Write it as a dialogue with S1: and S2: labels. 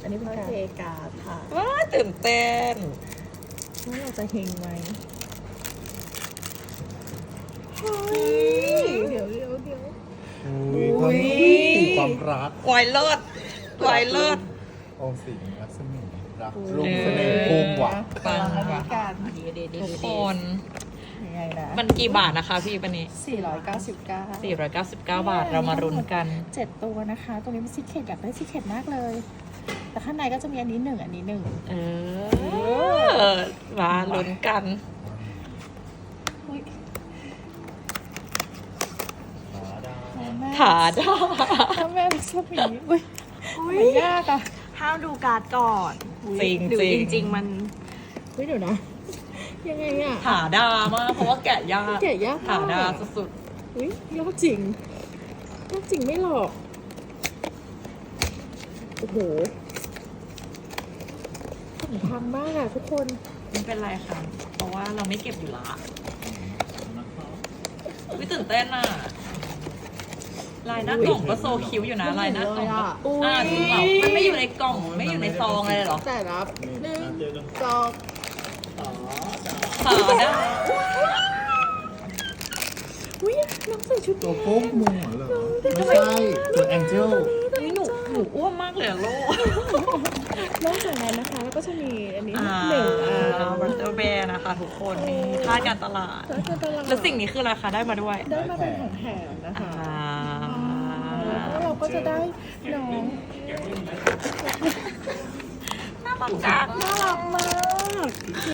S1: นนี้เป็นการ
S2: เทการ์ดค่ะ
S3: ว้าตื่นเต้น
S1: ว่าเราจะเฮงไหม
S2: เฮ้ยเดี๋ยว
S4: อุ้ยความรัก
S3: วายเลิศวายเลิศ
S4: โอสิงรักสมิงรักลงเสน่ห์พุ่งว่ะ
S3: ปัง
S2: อันนี้
S3: ว่ะ
S2: กัน
S3: ทุกคน
S1: ยังไงนะ
S3: มันกี่บาทนะคะพี่ปันนี้
S2: 499
S3: 499 บาทเรามารุนกัน
S1: 7 ตัวนะคะ ตรงนี้เป็นซีเคทอยากได้ซีเคทมากเลย แต่ข้างในก็จะมีอันนี้1อันนี้1
S3: เออ มาลุ้นกัน
S1: อุ้ย
S4: หาดา
S3: ถาดา
S1: ถ้าแม่รักสมีอุ้ยมันยากอ่ะ
S2: ห้ามดูการ์ดก่อน
S3: จริง
S2: หรือ
S3: จริง
S2: จริงๆมัน
S1: อุ้ยเดี๋ยวนะ ยังไงอ่ะ
S3: ถาดามากเพราะว่าแกะยาก
S1: แกะยาก
S3: ถาม
S1: าก
S3: ดา
S1: อะ
S3: สุด
S1: อุ้ยยากจริงยากจริงไม่หลอก โอ้โหผมพังมากอ่ะทุกคน
S3: ๆไม่เป็นไรค่ะ เพราะว่าเราไม่เก็บอยู่ละวิตื่นเต้นอ่ะ ลายหน้ากล่องก็โซคิ้วอยู่นะลายหน้ากล่องก็จริงเหรอมันไม่อยู่ในกล่องไม่อยู่ในซองเลยเหรอ
S1: แต่รับ1 2
S3: ถาดา
S1: อุ้ยน้องใส่ชุด
S4: ตัวโป๊กมุงเหรอไม่ใช่ ตัวแองเจิล
S3: นี่หนูอ้วนมากเลยอะลูก
S1: นอกจากนั้นนะคะ แล้วก็จะมีอันนี้
S3: อ่า
S1: หนึ่งอัน
S3: บัตเตอร์แบร์นะคะทุกคนนี่ค่าการตลาด
S1: แล้วก็ตลาด
S3: แล้วสิ่งนี้คือราคาได้มาด้วย
S1: ได้มาเป็นของแถมนะคะ
S3: อ่า
S1: แล้วเราก็จะได้น้อง
S3: น่ารักจัง
S1: น่ารักมาก